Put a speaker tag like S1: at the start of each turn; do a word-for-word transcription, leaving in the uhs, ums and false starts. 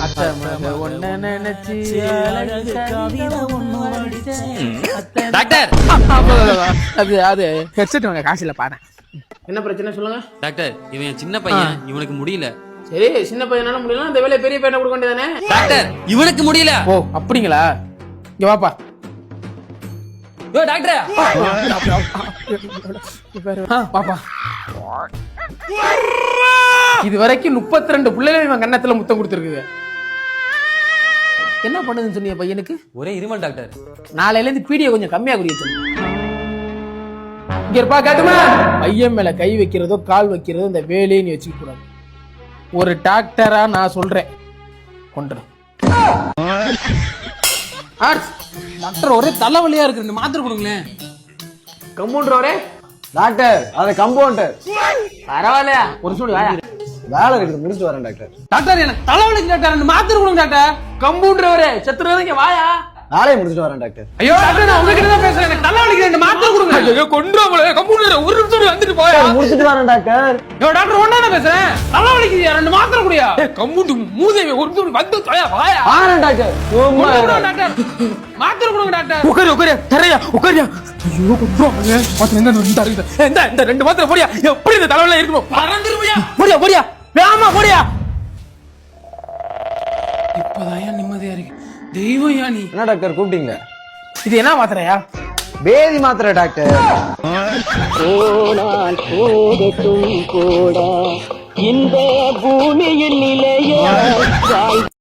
S1: Doctor
S2: அது அது headset வாங்க காசு இல்ல பாரு.
S3: என்ன பிரச்சனை சொல்லுங்க
S1: டாக்டர். இவன் சின்ன பையன், இவனுக்கு முடியல.
S3: சரி, சின்ன பையனால முடியல, இந்த வேலையை பெரிய பையனை கொடுக்க வேண்டியதானே?
S1: டாக்டர், இவனுக்கு முடியல.
S2: ஓ அப்படிங்களா? இங்க வாப்பா.
S1: யோ டாக்டர்,
S2: பாப்பா. இது வரைக்கும் முப்பத்தி ரெண்டு பிள்ளைகள் இவன் கண்ணத்துல முத்தம் கொடுத்துருக்குது. என்ன பண்ணுதுன்னு சொன்னீங்க பையனுக்கு?
S1: ஒரே இருமல் டாக்டர்.
S2: நாளையில இருந்து பீடியை கொஞ்சம் கம்மியா குடிக்க சொல்லு. இங்க இருப்பா காட்டுமா. பையன் மேல கை வைக்கிறதோ கால் வைக்கிறதோ இந்த வேலையை நீ வச்சுக்க கூடாது. ஒரு டாக்டரா நான் சொல்றேன், கொண்டுறேன். டாக்டர் ஒரே தலைவலியா இருக்கு, ரெண்டு மாத்திரை கொடுங்களேன்.
S3: கம்பவுண்டர் வரே
S4: டாக்டர், அது கம்பவுண்டர்.
S3: பரவாயில்லையா, ஒரு சூடு வாயா.
S4: வேலை இருக்குது, முடிச்சு வரேன் டாக்டர்.
S2: டாக்டர் எனக்கு தலைவலிக்கு டாக்டர், ரெண்டு மாத்திரை கொடுங்க டாக்டர்.
S3: கம்பவுண்டர் வரே சத்துரு இங்க வாயா.
S4: நாளைக்கு முடிச்சுட்டு வரேன் டாக்டர்.
S2: ஐயோ டாக்டர், நான் உங்ககிட்ட தான் பேசுறேன். எனக்கு தலைவலிக்கு ரெண்டு மாத்திரை கொடுங்க. ஐயோ கொன்றாங்களே. கம்பவுண்டர் ஒரு நிமிஷம் வந்துட்டு போயா.
S4: முடிச்சிட்டு வரேன் டாக்டர்.
S2: ஐயோ டாக்டர் ஒண்ணா தான் பேசுறேன். தலைவலிக்கு ரெண்டு மாத்திரை குடியா. கம்பவுண்டர் மூதேவி ஒரு நிமிஷம் வந்து போயா வாயா.
S4: வரேன் டாக்டர். சும்மா
S2: டாக்டர் மாத்திரை கொடுங்க டாக்டர். உட்காரு உட்காரு தரையா உட்காரியா. ஐயோ கொன்றாங்களே. மாத்திரை எங்க வந்து தரீங்க? இந்த இந்த ரெண்டு மாத்திரை போடியா. எப்படி இந்த தலைவலில இருக்கணும்? பறந்துருவியா. போடியா போடியா. வேமா போடியா. இப்பதான் நிம்மதியா இருக்கு. தெய்வம் யா நீ.
S4: என்ன டாக்டர் கூப்பிட்டீங்க?
S2: இது என்ன மாத்திரையா?
S4: பேதி மாத்திரை டாக்டர்.
S5: போனால் போகட்டும் கூட இந்த பூமியில் நிலைய